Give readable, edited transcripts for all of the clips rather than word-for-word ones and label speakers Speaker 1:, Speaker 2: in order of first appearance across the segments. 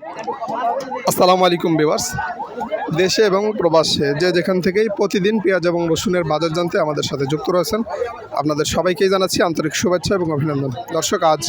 Speaker 1: আসসালামু আলাইকুম ভিউয়ার্স, দেশে এবং প্রবাসে যে যেখান থেকেই প্রতিদিন পেঁয়াজ এবং রসুনের বাজার জানতে আমাদের সাথে যুক্ত রয়েছেন, আপনাদের সবাইকেই জানাচ্ছি আন্তরিক শুভেচ্ছা এবং অভিনন্দন। দর্শক, আজ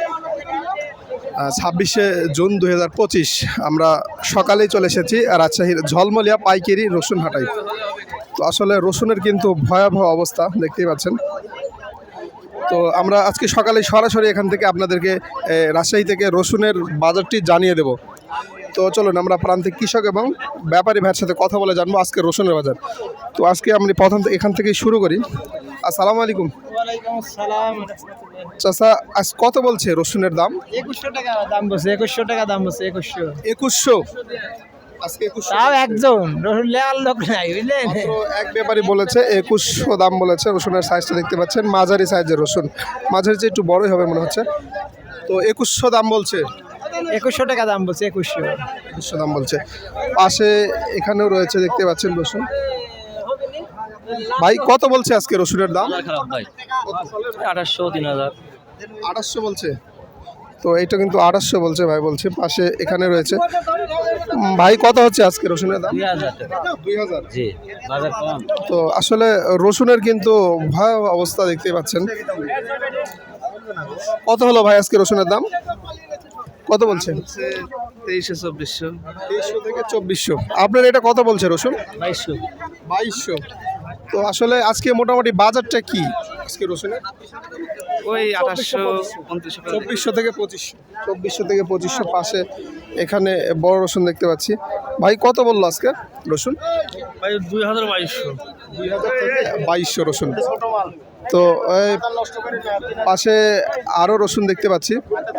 Speaker 1: 26শে জুন 2025 আমরা সকালেই চলে এসেছি রাজশাহীর ঝলমলিয়া পাইকারি রসুন হাটাই। তো আসলে রসুনের কিন্তু ভয়াবহ অবস্থা দেখতেই পাচ্ছেন। তো আমরা আজকে সকালে সরাসরি এখান থেকে আপনাদেরকে রাজশাহী থেকে রসুনের বাজারটি জানিয়ে দেব। তো চলুন আমরা প্রান্তিক কৃষক এবং ব্যাপারী ভাইয়ের সাথে কথা বলে জানবো আজকে রসুনের বাজার। তো আজকে আমি প্রথম এখান থেকেই শুরু করি। আসসালামু আলাইকুম।
Speaker 2: ওয়ালাইকুম আসসালাম।
Speaker 1: চাচা, আজ কত বলছে রসুনের দাম?
Speaker 2: 2100 টাকা দাম বলছে, 2100 টাকা দাম বলছে, 2100।
Speaker 1: 2100 আজকে 2100।
Speaker 2: তাও একজন রসুন লেয়ার লোক নাই, বুঝলেন?
Speaker 1: মাত্র এক ব্যাপারী বলেছে 2100 দাম বলেছে। রসুনের সাইজটা দেখতে পাচ্ছেন, মাঝারি সাইজের রসুন, মাঝারি চেয়ে একটু বড়ই হবে মনে হচ্ছে। তো 2100 দাম বলছে।
Speaker 2: 2100 টাকা দাম বলছে, 2100
Speaker 1: দাম বলছে। পাশে এখানেও রয়েছে দেখতে পাচ্ছেন রসুন। ভাই কত বলছে আজকে রসুনের দাম?
Speaker 3: খারাপ ভাই, 2800 3000
Speaker 1: 2800 বলছে। তো এটা কিন্তু 2800 বলছে ভাই, বলছে। পাশে এখানে রয়েছে। ভাই কত হচ্ছে আজকে রসুনের দাম? 2000।
Speaker 3: জি, বাজার কম।
Speaker 1: তো আসলে রসুনের কিন্তু ভয়াবহ অবস্থা দেখতেই পাচ্ছেন। কত হলো ভাই আজকে রসুনের দাম? কত বলছেন?
Speaker 3: 2300
Speaker 1: 2300 থেকে 2400। আপনার এটা কত বলছে রসুন? 2200। তো আসলে আজকে মোটামুটি বাজারটা কি আজকে রসুনের?
Speaker 3: ওই 2800
Speaker 1: 2400 থেকে 2500। 2400 থেকে 2500। পাশে এখানে বড় রসুন দেখতে পাচ্ছি। ভাই কত বললো আজকে রসুন?
Speaker 3: ভাই 2200
Speaker 1: 2000 থেকে 2200 রসুন। তো পাশে আরও রসুন দেখতে পাচ্ছি।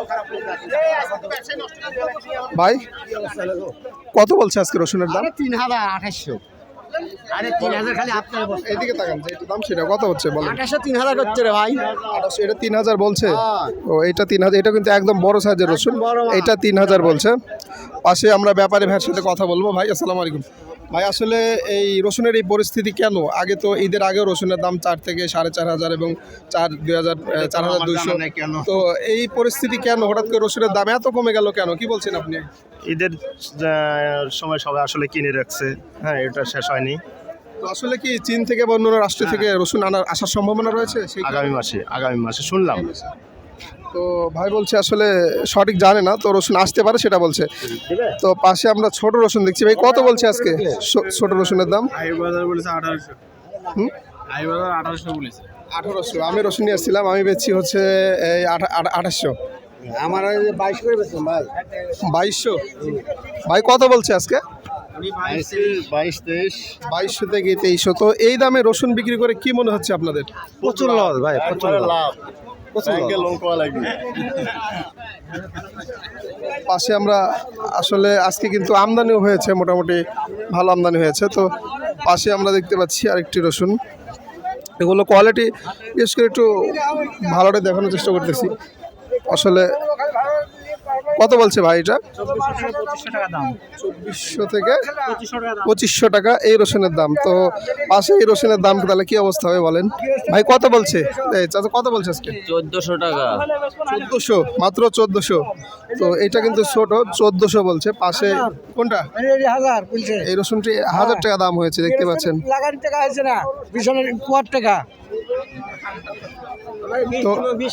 Speaker 1: ভাই কত বলছে আজকে রসুনের দাম?
Speaker 2: 3800। আরে 3000 খালি আপনার বলছে।
Speaker 1: এদিকে তাকান, যে এটা দাম সেটা কত হচ্ছে বলেন?
Speaker 2: 2800 3000 করতে রে ভাই।
Speaker 1: 2800, এটা 3000 বলছে। ও এটা 3000। এটা কিন্তু একদম বড় সাইজের রসুন, এটা 3000 বলছে। পাশে আমরা ব্যাপারী ভাইয়ের সাথে কথা বলবো। ভাই আসসালামু আলাইকুম। ভাই আসলে এই রসুনের এই পরিস্থিতি কেন? আগে তো ঈদের আগেও রসুনের দাম 4 থেকে 4500 এবং 4200। তো এই পরিস্থিতি কেন হঠাৎ করে রসুনের দাম এত কমে গেল কেন? কি বলছেন আপনি?
Speaker 4: ঈদের সময় সবাই আসলে কিনে রাখছে, হ্যাঁ, এটা শেষ হয়নি।
Speaker 1: তো আসলে কি চীন থেকে বা অন্য রাষ্ট্র থেকে রসুন আসার সম্ভাবনা রয়েছে?
Speaker 4: আগামী মাসে শুনলাম।
Speaker 1: তো ভাই বলছে আসলে সঠিক জানে না, তো রসুন আসতে পারে সেটা বলছে। তো পাশে আমরা ছোট রসুন দেখছি। ভাই কত বলছে আজকে ছোট রসুনের দাম? 1800। আমি রসুন নিয়ে আসছিলাম, আমি বেচছি হচ্ছে এই 2800।
Speaker 2: আমার 22 করে বেচলাম ভাই।
Speaker 1: 2200। ভাই কত বলছে আজকে?
Speaker 4: 22-23
Speaker 1: থেকে 2300। তো এই দামে রসুন বিক্রি করে কি মনে হচ্ছে আপনাদের?
Speaker 4: প্রচুর লস ভাই, প্রচুর লাভ।
Speaker 1: পাশে আমরা আসলে আজকে কিন্তু আমদানিও হয়েছে, মোটামুটি ভালো আমদানি হয়েছে। তো পাশে আমরা দেখতে পাচ্ছি আরেকটি রসুন। এগুলো কোয়ালিটি বিশেষ করে একটু ভালোটা দেখানোর চেষ্টা করতেছি। আসলে কত বলছে ভাই এটা?
Speaker 2: 2400 টাকা দাম।
Speaker 1: 2400 থেকে 2500 টাকা এই রসুনের দাম। তো পাশে এই রসুনের দাম তাহলে কি অবস্থা হবে বলেন? ভাই কত বলছে? চাচা কত বলছে আজকে?
Speaker 3: 1400 টাকা।
Speaker 1: 1400, মাত্র 1400। তো এটা কিন্তু ছোট, 1400 বলছে। পাশে কোনটা?
Speaker 2: 1000 বলছে।
Speaker 1: এই রসুনটি 1000 টাকা দাম হয়েছে, দেখতে পাচ্ছেন।
Speaker 2: লাগান টাকা হয়েছে না, বিছানার কুয়ার টাকা।
Speaker 1: তো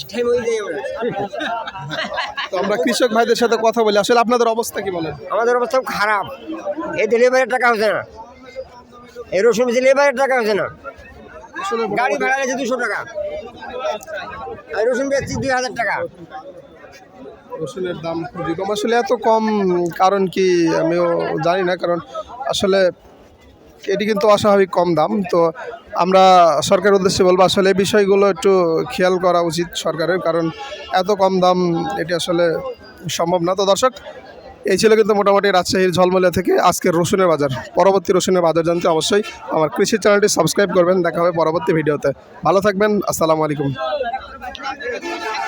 Speaker 1: আমরা কৃষক ভাইদের সাথে কথা বলি, আসলে আপনাদের অবস্থা কি বলেন?
Speaker 2: আমাদের অবস্থা খারাপ। এই ডেলিভারির টাকা হচ্ছে না, এই রসুন ডেলিভারির টাকা হচ্ছে না। গাড়ি ভাড়া গেছে 200 টাকা, এই রসুন বেচছি 2000 টাকা।
Speaker 1: রসুনের দাম খুবই কম। আসলে এত কম কারণ কি আমিও জানি না, কারণ আসলে এটি কিন্তু অস্বাভাবিক কম দাম। তো আমরা সরকারের উদ্দেশ্যে বলবো আসলে এই বিষয়গুলো একটু খেয়াল করা উচিত সরকারের, কারণ এত কম দাম এটি আসলে সম্ভব না। তো দর্শক, এই ছিল কিন্তু মোটামুটি রাজশাহীর ঝলমলিয়া থেকে আজকের রসুনের বাজার। পরবর্তী রসুনের বাজার জানতে অবশ্যই আমার কৃষি চ্যানেলটি সাবস্ক্রাইব করবেন। দেখা হবে পরবর্তী ভিডিওতে। ভালো থাকবেন। আসসালামু আলাইকুম।